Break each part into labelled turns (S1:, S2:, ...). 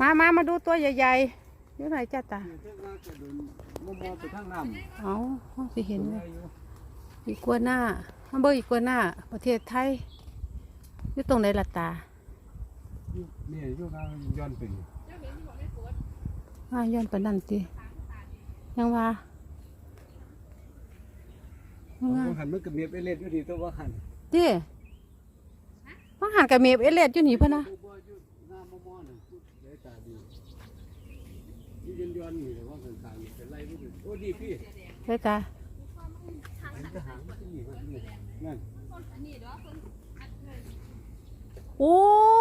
S1: มาดูตัวใหญ่ๆอยู่ไหนจ้าตาเอาสิเห็นเลยอีกัวหน้าฮัมเบอร์อีกัวหน้าประเทศไทยอยู่ตรงไหนล่ะตา
S2: เนี่ยอยู่ทางย้อนไป
S1: ย้อนไปนั่นสิยังว่า
S2: หันมันกับเมียไปเล่นอยู่ดีตัวว่าหัน
S1: ดิว่าหันกับเมียเอเลดอยู่หนีพะนะ
S2: ย้อนนี่แต่ว่าต่างๆเป็นไรไม่ถึงโอ้ดีพี่
S1: ใช่จ้ะ
S2: นั่น
S1: โอ้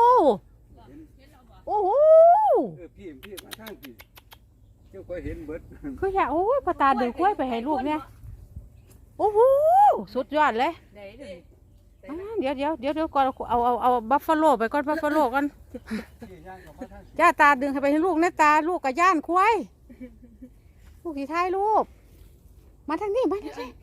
S1: โอ้โห
S2: พี่มาทางพี่เจ้าก็เห็นเบิด
S1: คืออยากโอ้ยพอตาดูกล้วยไปให้ลูกเนี่ยโอ้โหสุดยอดเลยเดี๋ยวก่อนเอาบัฟฟาโลไปก่อนบัฟฟาโลกันจ้าตาดึงให้ไปให้ลูกนะตาลูกกับย่านควายลูกที่ท้ายลูกมาทางนี้มาทางนี้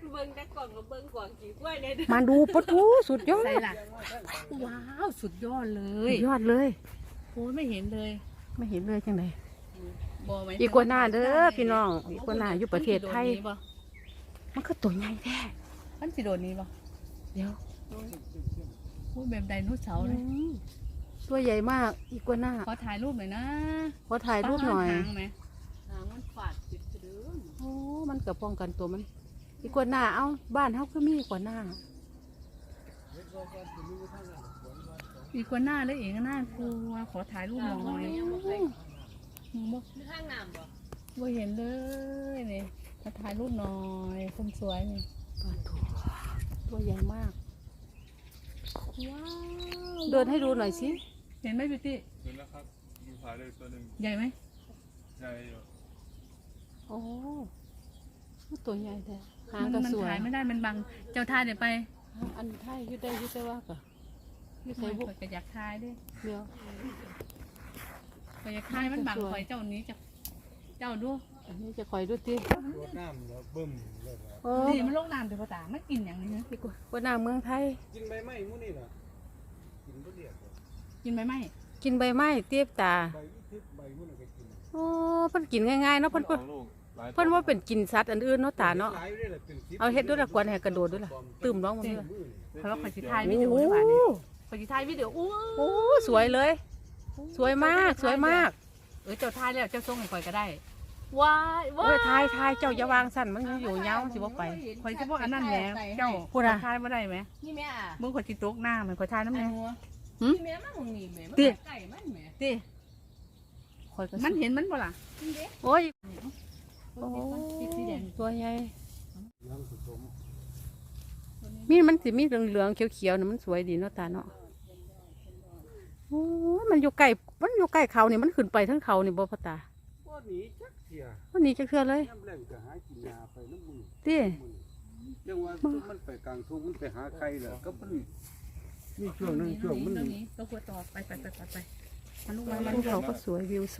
S1: มาดูปะทูสุดยอด
S3: ว้าวสุดยอดเลย
S1: ยอดเลย
S3: โอ้ยไม่เห็นเลย
S1: จังไหนอีกัวหน้าเด้อพี่น้องอีกัวหน้าอยู่ประเทศไทยมันก็ตัวใหญ่แท้
S3: มันสิโดนนี้ป่ะ
S1: เดี๋ยว
S3: พูดแบบไดโนเสาร์เลย
S1: ตัวใหญ่มากอีกัวหน้า
S3: ขอถ่ายรูปหน่อยนะ
S1: ขอถ่ายรูปหน่อย
S3: หางมันฝาดติดกระเดื่อง
S1: โอ้มันกับป้องกันตัวมันอีกัวหน้าเอาบ้านเฮาก็มีกัวหน้า
S3: อีกัวหน้าเลยเองน่ากลัวขอถ่ายรูปหน่อย
S4: ข้างน้ำ
S3: บ่เห็นเลยนี่มาถ่ายรูปหน่อยคนสวยนี่
S1: ตัวใหญ่มากว้าวเดินให้ดูหน่อยสิ
S3: เห็นไหมพี่ตี้
S4: เห็นแล้วครับดูถ่ายเลยตัวหนึ่ง
S3: ใหญ่ไหม
S4: ใหญ่อยู่
S1: โอ้ตัวใหญ่แต่หางก็สวย
S3: มันถ่ายไม่ได้มันบังเจ้าถ่ายเดี๋ยวไป
S1: อันถ่ายยืดได้ว่าก็
S3: ยืดใส่บุกก็อยากถ่ายด้วย
S1: เดี๋ยว
S3: ก็อยากถ่ายมันบังคอยเจ้านี้เจ้าดู
S1: อันนี้จะคอยดูที่
S2: น้ำแล้วบึ้ม
S3: นี่มันโรคน้ำเดี๋ยวพ่อตาไม่กินอย่างนี้นะ
S1: พี่กูว่าน้ำเมืองไทย
S2: กินใบไม้มู่นี่เหรอ
S3: กินใบไม้
S1: กินใบไม้เตี้ยตาโอ้เพิ่นกินง่ายๆเนาะเพิ่นว่าเป็นกินสัตว์อันอื่นเนาะตาเนาะเอาเฮ็ดด้วยละกวนให้กระโดดด้วยล่ะตื่มร้องมันด้วย
S3: เพราะว่าขอจิถ่ายวิดีโอดีกว่านี่ขอจิถ่ายวิดีโอ
S1: โอ้สวยเลยสวยมาก
S3: เจ้าถ่ายแล้วเจ้าส่งให้ข่อยก็ได้
S1: ว้ายทายเจ้าอย่าวางสั่นมันอยู่เงาสิบ่ไป
S3: ข่อยสิบ่อันนั้นแหมเจ้าพูดอะถ่ายบ่ได้ไหม
S4: นี่แม่
S3: มึงข่อยสิตกหน้ามันข่อยถ่ายน้ำแน่
S4: นี่แม่มาหงนี่แม่มันไก่มันแม่
S3: ติมันเห็นมันบ่ล่ะ
S1: โอ้ยตัวใหญ่มันสิมีเหลืองๆเขียวๆน่ะมันสวยดีเนาะตาเนาะโอ้มันอยู่ใกล้เขานี่มันขึ้นไปทั้งเขานี่บ่พ่อตาวันนี้จะเคลื่อนเลยตี
S2: ยังว่ามันไปกลางทุ่งมันไปหาใครเหรอก็มันมีช่วงนึงมัน
S3: ก็ควรต่อไป
S1: มันเขาก็สวยวิวส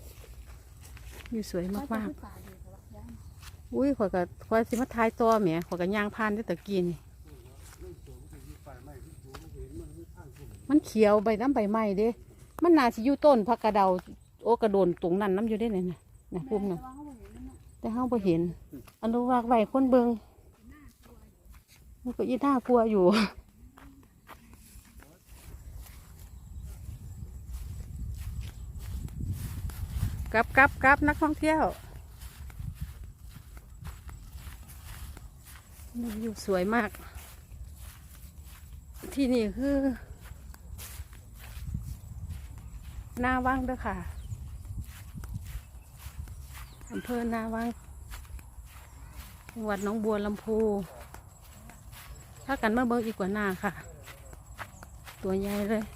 S1: วยมากๆอุ้ยขอยสิมาทายตัวแหมขอยกับยางพานได้ตะกี้นี่มันเขียวใบน้ำใบไม้เด้มันน่าสิอยู่ต้นผักกระเดาโอกระโดนตรงนั้นน้ำอยู่ได้เลยนะพุ่มน่ะแต่เฮาบ่เห็นอนุรักษ์ไว้คนเบิ่งมันก็อีน่ากลัวอยู่กลับนักท่องเที่ยววิวสวยมากที่นี่คือนาวังเด้อค่ะอำเภอนาวังจังหวัดหนองบัวลำพูถ้ากันมาเบิ่งอีกกว่านาค่ะตัวใหญ่เลย